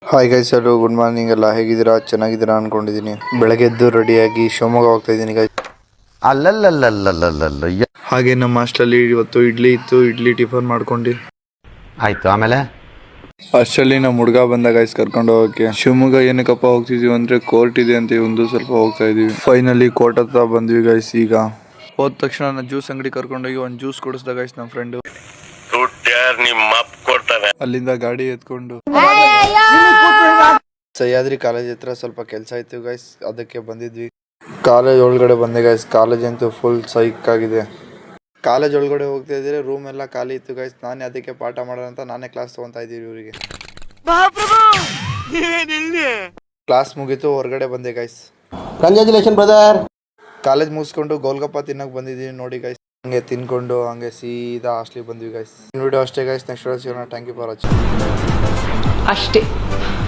Hi guys, hello, good morning. ಎಲ್ಲ ಹೇಗಿದ್ದೀರಾ? ಚೆನ್ನಾಗಿದ್ದೀರಾ ಅನ್ಕೊಂಡಿದ್ದೀನಿ. ಬೆಳಗ್ಗೆ ಎದ್ದು ರೆಡಿಯಾಗಿ ಶಿವಮೊಗ್ಗ ಹೋಗ್ತಾ ಇದ್ದೀನಿ ಗೈಸ್. ಅಲ್ಲಲ್ಲಲ್ಲಲ್ಲಲ್ಲಲ್ಲ ಹಾಗೆ ನಮ್ಮ ಹಾಸ್ಟೆಲಲ್ಲಿ ಇವತ್ತು ಇಡ್ಲಿ ಇತ್ತು. ಇಡ್ಲಿ ಟಿಫನ್ ಮಾಡ್ಕೊಂಡು ಆಯ್ತು. ಆಮೇಲೆ ಅಷ್ಟರಲ್ಲಿ ನಮ್ಮ ಹುಡುಗ ಬಂದ ಗೈಸ್ ಕರ್ಕೊಂಡು ಹೋಗಕ್ಕೆ. ಶಿವಮೊಗ್ಗ ಏನಕ್ಕಪ್ಪ ಹೋಗ್ತಿದೀವಿ ಅಂದ್ರೆ ಕೋರ್ಟ್ ಇದೆ ಅಂತ ಒಂದು ಸ್ವಲ್ಪ ಹೋಗ್ತಾ ಇದೀವಿ. ಫೈನಲಿ ಕೋರ್ಟ್ ಹತ್ರ ಬಂದ್ವಿ ಗೈಸ್. ಈಗ ಹೋದ ತಕ್ಷಣ ನನ್ನ ಜ್ಯೂಸ್ ಅಂಗಡಿ ಕರ್ಕೊಂಡೋಗಿ ಒಂದು ಜ್ಯೂಸ್ ಕೊಡಿಸ್ದ ಗೈಸ್ ನಮ್ಮ ಫ್ರೆಂಡ್. ಅಲ್ಲಿಂದ ಗಾಡಿ ಎತ್ಕೊಂಡು ಸಹ್ಯಾದ್ರಿ ಕಾಲೇಜ್ ಹತ್ರ ಸ್ವಲ್ಪ ಕೆಲಸ ಇತ್ತು ಗೈಸ್, ಅದಕ್ಕೆ ಬಂದಿದ್ವಿ. ಕಾಲೇಜ್ ಒಳಗಡೆ ಬಂದೆ ಗೈಸ್. ಕಾಲೇಜ್ ಅಂತೂ ಫುಲ್ ಸೈಕ್ ಆಗಿದೆ. ಕಾಲೇಜ್ ಒಳಗಡೆ ಹೋಗ್ತಾ ಇದ್ರೆ ರೂಮ್ ಎಲ್ಲ ಖಾಲಿ ಇತ್ತು ಗೈಸ್. ನಾನೇ ಅದಕ್ಕೆ ಪಾಠ ಮಾಡೋಣ ಅಂತ ನಾನೇ ಕ್ಲಾಸ್ ತಗೊಂತಾ ಇದ್ದೀವಿ ಇವರಿಗೆ. ಕ್ಲಾಸ್ ಮುಗೀತು, ಹೊರಗಡೆ ಬಂದೆ ಗೈಸ್. Congratulation brother. ಕಾಲೇಜ್ ಮುಗಿಸ್ಕೊಂಡು ಗೋಲ್ಗಪ್ಪ ತಿನ್ನಕ್ ಬಂದಿದ್ದೀವಿ ನೋಡಿ ಗೈಸ್. ಹಂಗೆ ತಿನ್ಕೊಂಡು ಹಂಗೆ ಸೀದಾ ಹಾಸ್ಟ್ಲಿಗೆ ಬಂದ್ವಿ ಗೈಸ್. ವಿಡಿಯೋ ಅಷ್ಟೇ ಗೈಸ್. ನೆಕ್ಸ್ಟ್ ವಿಡಿಯೋ ಸಿಗೋಣ. Thank you for watching. ಅಷ್ಟೇ.